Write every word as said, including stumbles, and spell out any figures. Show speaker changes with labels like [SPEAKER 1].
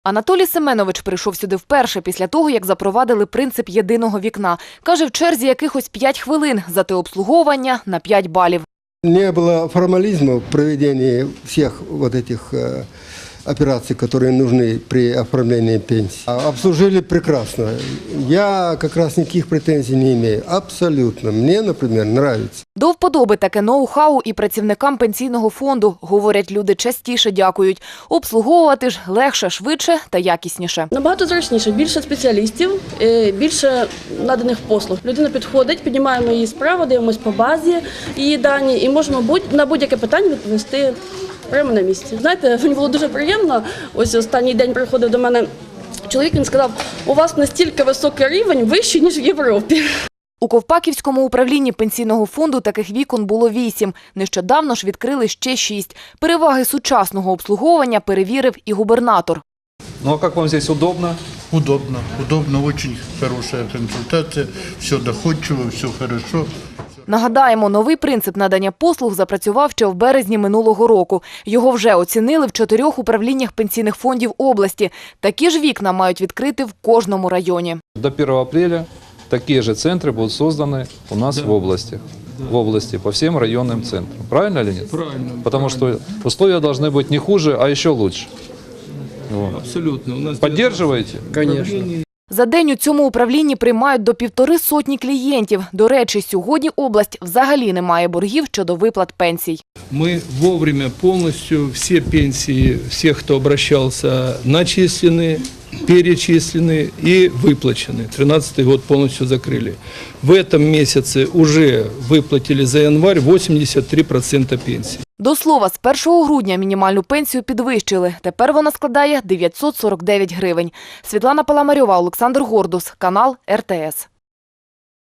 [SPEAKER 1] Анатолій Семенович прийшов сюди вперше після того, як запровадили принцип єдиного вікна. Каже, в черзі якихось п'ять хвилин, зате обслуговування на п'ять балів.
[SPEAKER 2] Не было формализма в проведении всех вот этих э, операций, которые нужны при оформлении пенсии. А обслужили прекрасно. Я как раз никаких претензий не имею. Абсолютно. Мне, например, нравится.
[SPEAKER 1] До вподоби таке ноу-хау і працівникам пенсійного фонду. Говорять, люди частіше дякують. Обслуговувати ж легше, швидше та якісніше.
[SPEAKER 3] Набагато зручніше, більше спеціалістів, більше наданих послуг. Людина підходить, піднімаємо її справу, дивимося по базі її дані і можемо на будь-яке питання відповісти прямо на місці. Знаєте, мені було дуже приємно, ось останній день приходив до мене чоловік, він сказав, у вас настільки високий рівень, вищий, ніж в Європі.
[SPEAKER 1] У Ковпаківському управлінні пенсійного фонду таких вікон було вісім. Нещодавно ж відкрили ще шість. Переваги сучасного обслуговування перевірив і губернатор.
[SPEAKER 4] Ну а як вам здесь удобно?
[SPEAKER 5] Удобно, удобно, очень хорошая консультация, все доходчиво, все хорошо.
[SPEAKER 1] Нагадаємо, новий принцип надання послуг запрацював ще в березні минулого року. Його вже оцінили в чотирьох управліннях пенсійних фондів області. Такі ж вікна мають відкрити в кожному районі.
[SPEAKER 4] До первого апреля такие же центры будут созданы у нас да. в области. Да. В области, по всем районным центрам. Правильно или нет?
[SPEAKER 6] Правильно.
[SPEAKER 4] Потому
[SPEAKER 6] правильно.
[SPEAKER 4] что условия должны быть не хуже, а еще лучше. Вот.
[SPEAKER 6] Абсолютно. У нас
[SPEAKER 4] Поддерживаете?
[SPEAKER 6] Конечно.
[SPEAKER 1] За день у цьому управлінні приймають до півтори сотні клієнтів. До речі, сьогодні область взагалі не має боргів щодо виплат пенсій.
[SPEAKER 6] Мы вовремя полностью все пенсии, всех, кто обращался, начислены, перечислены и выплачены. тринадцатый год полностью закрыли. В этом месяце уже выплатили за январь восемьдесят три процента пенсий.
[SPEAKER 1] До слова, з першого грудня мінімальну пенсію підвищили. Тепер вона складає дев'ятсот сорок дев'ять гривень. Світлана Паламарьова, Олександр Гордус, канал ер те ес.